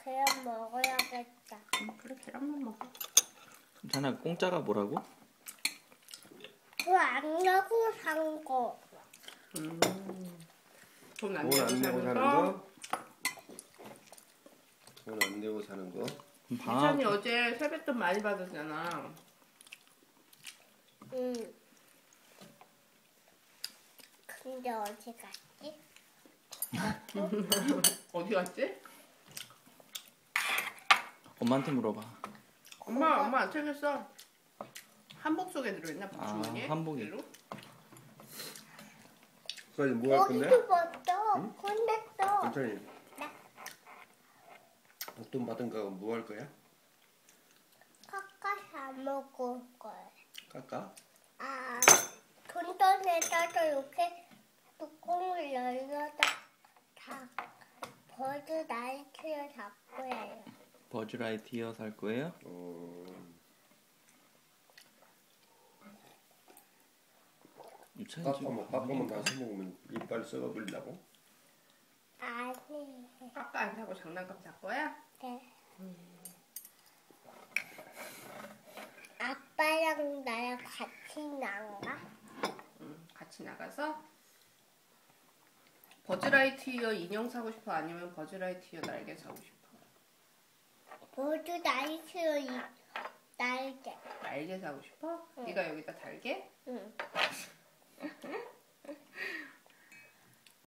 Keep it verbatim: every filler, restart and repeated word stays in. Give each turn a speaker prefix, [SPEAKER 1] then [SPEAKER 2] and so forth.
[SPEAKER 1] 그냥 먹어야겠다.
[SPEAKER 2] 응, 그래, 계란만 먹어.
[SPEAKER 3] 괜찮아. 공짜가 뭐라고?
[SPEAKER 1] 그거 안 내고 산 거.
[SPEAKER 2] 음. 돈 안
[SPEAKER 4] 돈
[SPEAKER 2] 내고
[SPEAKER 4] 안 내고
[SPEAKER 2] 사는
[SPEAKER 4] 사는
[SPEAKER 2] 거.
[SPEAKER 4] 거? 돈 안 내고 사는 거?
[SPEAKER 3] 방학
[SPEAKER 2] 이찬이 어제 세뱃돈 많이 받았잖아.
[SPEAKER 1] 응. 근데 어디 갔지?
[SPEAKER 2] 어디 갔지?
[SPEAKER 3] 엄마한테 물어봐.
[SPEAKER 2] 엄마, 엄마 안 챙겼어. 한복 속에 들어있나?
[SPEAKER 3] 아,
[SPEAKER 2] 주머니에?
[SPEAKER 3] 한복이.
[SPEAKER 2] 그대로?
[SPEAKER 4] 수아이 뭐 할 건데?
[SPEAKER 1] 거기도 봤어. 근데 또
[SPEAKER 4] 천천히. 돈 받은 거 뭐 할 거야?
[SPEAKER 1] 카카 사 먹을 거야.
[SPEAKER 4] 깎아?
[SPEAKER 1] 아, 돈돈에다가 이렇게 뚜껑을 열려다 다 버즈 나이트를 잡고 해요.
[SPEAKER 3] 버즈라이티어 살 거예요?
[SPEAKER 4] 어...
[SPEAKER 3] 유찬이
[SPEAKER 4] 깎아
[SPEAKER 3] 지금
[SPEAKER 4] 먹 깎아만 나서 먹으면 이빨 썩어버린다고?
[SPEAKER 1] 아니,
[SPEAKER 2] 아까 안 사고 장난감 살 거야?
[SPEAKER 1] 네. 아빠랑 나랑 같이 나가?
[SPEAKER 2] 응, 같이 나가서 버즈라이트이어 인형 사고 싶어? 아니면 버즈라이트이어 날개 사고 싶어?
[SPEAKER 1] 버즈 나이트를 이 날개.
[SPEAKER 2] 날개 사고 싶어?
[SPEAKER 1] 응.
[SPEAKER 2] 네가 여기다 달게?
[SPEAKER 1] 응.